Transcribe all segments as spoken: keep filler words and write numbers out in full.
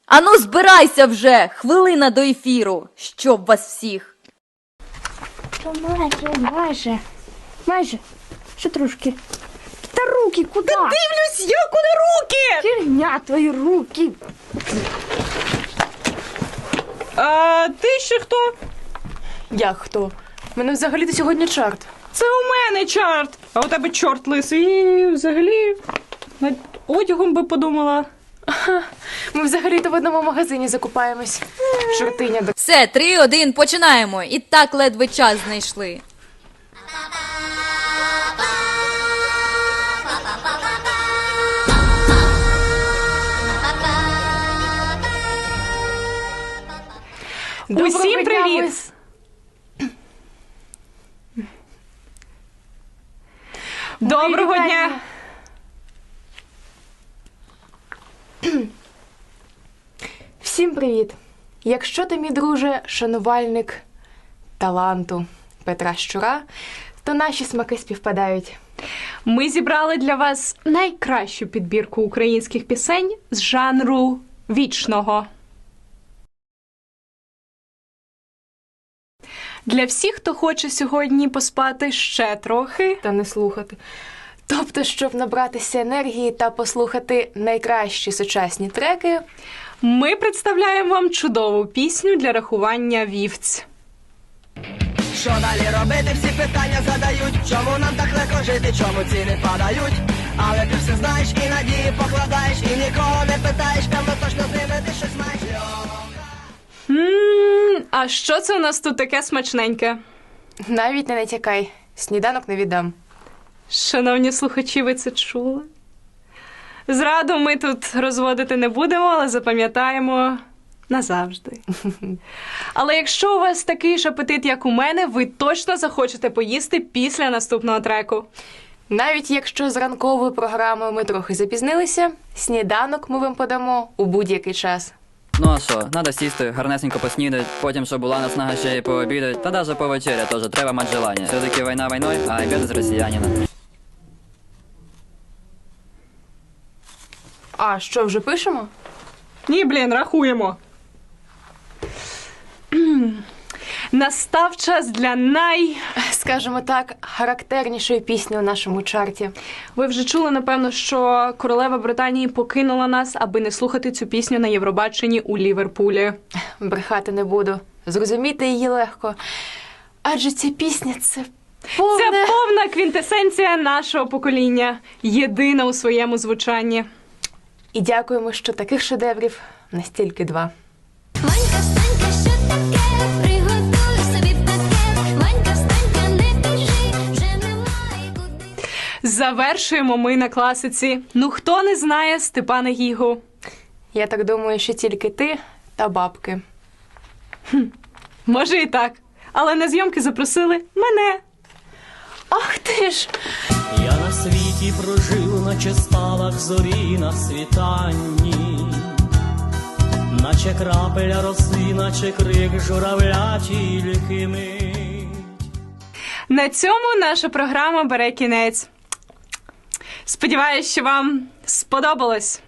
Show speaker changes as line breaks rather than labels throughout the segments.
Ану, збирайся вже! Хвилина до ефіру! Щоб вас всіх!
Та майже, майже, майже, ще трошки. Та руки куди?
Та дивлюсь я, куди руки!
Фігня твої руки.
А ти ще хто?
Як хто? У мене взагалі-то сьогодні чорт.
Це у мене чорт, а у тебе чорт лисий. І взагалі над одягом би подумала.
Ми взагалі-то в одному магазині закупаємось. Чортиня до...
Все, три, один, починаємо! І так ледве час знайшли.
Усім привіт! Доброго дня!
Всім привіт! Якщо ти, мій друже, шанувальник таланту Петра Щура, то наші смаки співпадають.
Ми зібрали для вас найкращу підбірку українських пісень з жанру вічного. Для всіх, хто хоче сьогодні поспати ще трохи.
Та не слухати. Тобто, щоб набратися енергії та послухати найкращі сучасні треки,
Ми представляємо вам чудову пісню для рахування вівць.
Що далі робити, всі питання задають. Чому нам так легко жити, чому ціни падають? Але ти все знаєш і надії покладаєш, і нікого не питаєш, певно точно з ними ти щось маєш.
Ммм, а що це у нас тут таке смачненьке?
навіть не натякай, сніданок не віддам.
Шановні слухачі, ви це чули? Зраду ми тут розводити не будемо, але запам'ятаємо назавжди. Але якщо у вас такий ж апетит, як у мене, ви точно захочете поїсти після наступного треку.
Навіть якщо з ранковою програмою ми трохи запізнилися, сніданок ми вам подамо у будь-який час.
Ну а що, надо сісти, гарнесенько поснідать, потім, щоб була наснага ще й пообідать, та даже повечеря теж треба мати желання. Все-таки війна війною, а обід з росіянина.
А що, вже пишемо?
Ні, блін, рахуємо. Настав час для най...
Скажімо так, характернішої пісні у нашому чарті.
Ви вже чули, напевно, що королева Британії покинула нас, аби не слухати цю пісню на Євробаченні у Ліверпулі.
Брехати не буду. Зрозуміти її легко. Адже ця пісня – це повне...
Це повна квінтесенція нашого покоління. Єдина у своєму звучанні.
І дякуємо, що таких шедеврів настільки два.
Ванька, встанька, що таке? Приготуй собі пакет. Ванька, встанька, не біжи, вже немає куди.
Завершуємо ми на класиці. Ну хто не знає Степана Гігу?
Я так думаю, що тільки ти та бабки.
Може і так. Але на зйомки запросили мене.
Ах ти ж!
Я на світі прожив, наче спалах зорі на світанні, наче крапеля роси, наче крик журавля тільки мить.
На цьому наша програма бере кінець. Сподіваюсь, що вам сподобалось.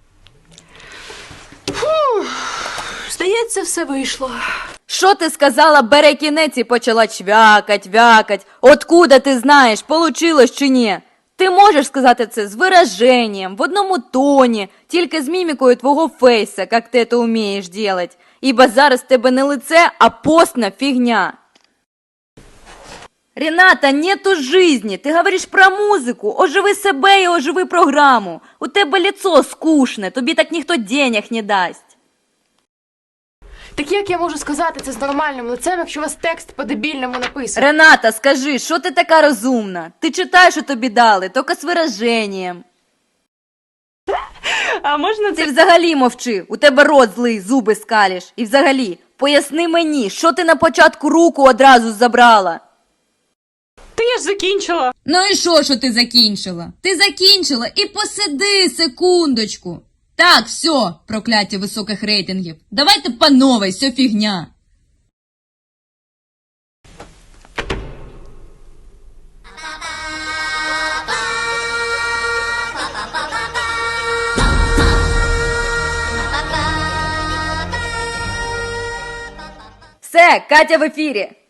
Здається, все вийшло.
Що ти сказала, бере кінець і почала чвякать, вякать? Откуда ти знаєш, получилось чи ні? Ти можеш сказати це з вираженням, в одному тоні, тільки з мімікою твого фейса, як ти це вмієш делать. Ібо зараз в тебе не лице, а постна фігня. Рената, нету жизни, ти говориш про музику, оживи себе і оживи програму. У тебе лицо скучне, тобі так ніхто денег не дасть.
Так як я можу сказати це з нормальним лицем, якщо у вас текст по-дебільному написаний?
Рената, скажи, що ти така розумна? Ти читаєш, що тобі дали, тільки з вираженням.
А можна
Ти
це...
взагалі мовчи, у тебе рот злий, зуби скалиш. І взагалі, поясни мені, що ти на початку руку одразу забрала?
Та я ж закінчила.
Ну і що, що ти закінчила? Ти закінчила і посиди секундочку. Так, все, прокляття високих рейтингів. Давайте по новій, все фігня.
Все, Катя в ефірі.